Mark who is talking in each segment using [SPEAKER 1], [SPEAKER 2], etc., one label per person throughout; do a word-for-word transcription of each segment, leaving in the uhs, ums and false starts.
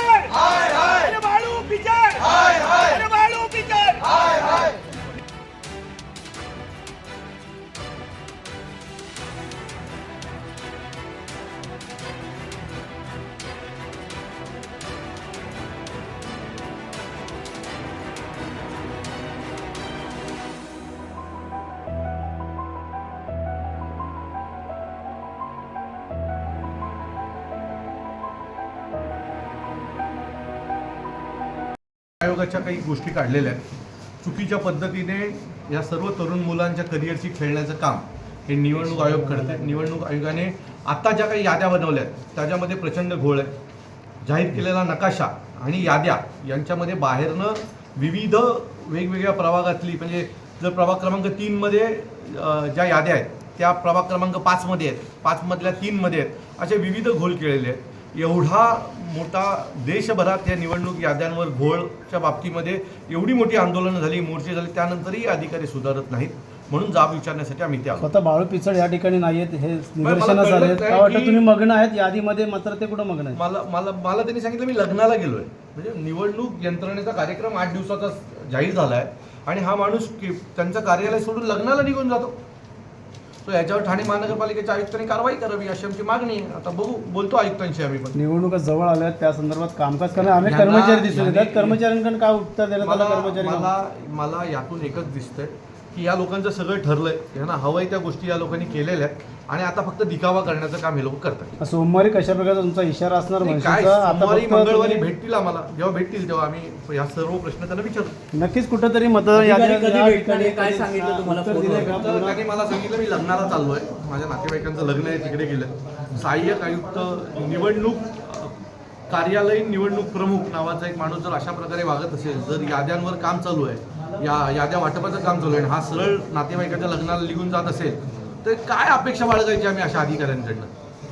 [SPEAKER 1] Picture हाय हाय अरे Balu picture हाय हाय अरे Balu picture हाय हाय
[SPEAKER 2] आयोगाच्या काही गोष्टी काढलेल्या आहेत. चुकीच्या पद्धतीने या सर्व तरुण मुलांच्या करिअरची खेळण्याचं काम हे निवडणूक आयोग करते. निवडणूक आयोगाने आता ज्या काही याद्या बनवल्या आहेत त्याच्यामध्ये प्रचंड घोळ आहे. जाहीर केलेला नकाशा आणि याद्या यांच्यामध्ये बाहेरनं विविध वेगवेगळ्या प्रभागातली, म्हणजे जर प्रभाग क्रमांक तीनमध्ये ज्या याद्या आहेत त्या प्रभाग क्रमांक पाचमध्ये आहेत, पाचमधल्या तीनमध्ये आहेत, असे विविध घोळ केलेले आहेत. एवढा मोठा देशभरात या निवडणूक याद्यांवर घोळच्या बाबतीमध्ये एवढी मोठी आंदोलनं झाली, मोर्चे झाले, त्यानंतरही अधिकारी सुधारत नाहीत. म्हणून जाब विचारण्यासाठी आम्ही ते आलो.
[SPEAKER 3] स्वतः बाळू पिचड या ठिकाणी नाही आहेत, हे निदर्शनं झाले आहेत. काय वाटतं, तुम्ही मग्न आहेत यादीमध्ये, मात्र ते कुठं मग्न आहेत?
[SPEAKER 2] मला मला मला त्यांनी सांगितलं मी लग्नाला गेलोय. म्हणजे निवडणूक यंत्रणेचा कार्यक्रम आठ दिवसाचा जाहीर झाला आहे आणि हा माणूस त्यांचं कार्यालय सोडून लग्नाला निघून जातो. तो याच्यावर ठाणे महानगरपालिकेच्या आयुक्तांनी कारवाई करावी अशी आमची मागणी आहे. आता बघू, बोलतो आयुक्तांशी आम्ही पण.
[SPEAKER 3] निवडणुका जवळ आल्या त्या संदर्भात कामकाज करणारे अनेक कर्मचारी दिसून येतात. कर्मचाऱ्यांकडून काय उत्तर देण्यात आलं? कर्मचारी
[SPEAKER 2] मला मला यातून एकच दिसतंय की या लोकांचं सगळं ठरलंय, यांना हवंय त्या गोष्टी या लोकांनी केलेल्या आहेत आणि आता फक्त दिखावा करण्याचं काम हे लोक करतात.
[SPEAKER 3] सोमवारी कशा प्रकारचा तुमचा इशारा असणार?
[SPEAKER 2] काय सोमवारी मंगळवारी भेटतील आम्हाला, जेव्हा भेटतील तेव्हा आम्ही या सर्व प्रश्न त्यांना विचारू.
[SPEAKER 3] नक्कीच कुठेतरी मतदार यादी
[SPEAKER 4] काय सांगितलं तुम्हाला?
[SPEAKER 2] त्यांनी मला सांगितलं मी लग्नाला चाललोय, माझ्या नातेवाईकांचं लग्न आहे, तिकडे गेलं. सहाय्यक आयुक्त निवडणूक कार्यालयीन निवडणूक प्रमुख नावाचा एक माणूस जर अशा प्रकारे वागत असेल, जर याद्यांवर काम चालू आहे, या याद्या वाटपाचं काम चालू आहे, हा सरळ नातेवाईकाच्या लग्नाला निघून जात असेल, तर काय अपेक्षा बाळगायची आम्ही अशा अधिकाऱ्यांकडनं?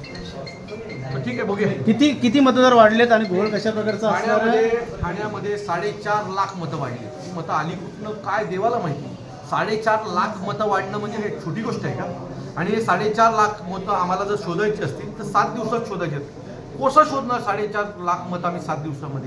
[SPEAKER 2] ठीक आहे, बघूया.
[SPEAKER 3] किती किती मतदार वाढलेत आणि घोळ कशा प्रकारचा असणार आहे?
[SPEAKER 2] ठाण्यामध्ये ठाण्यामध्ये साडेचार लाख मतं वाढली. ती मतं आली कुठनं काय देवाला माहिती. साडेचार लाख मतं वाढणं म्हणजे हे छोटी गोष्ट आहे का? आणि हे साडेचार लाख मतं आम्हाला जर शोधायची असतील तर सात दिवसात शोधायची आहेत. कसं शोधणार साडेचार लाख मतं आम्ही सात दिवसामध्ये?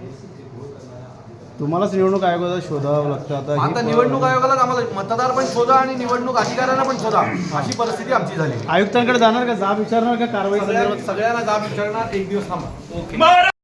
[SPEAKER 3] तुम्हालाच निवडणूक आयोगाला शोधावं लागतं. आता
[SPEAKER 2] आता निवडणूक आयोगाला आम्हाला मतदार पण शोधा आणि निवडणूक अधिकाऱ्यांना पण शोधा, अशी परिस्थिती आमची झाली.
[SPEAKER 3] आयुक्तांकडे जाणार का, जाब विचारणार का कारवाई
[SPEAKER 2] सगळ्यांना
[SPEAKER 3] संदर्भात?
[SPEAKER 2] सगळ्यांना जाब विचारणार. एक दिवस थांबा. ओके.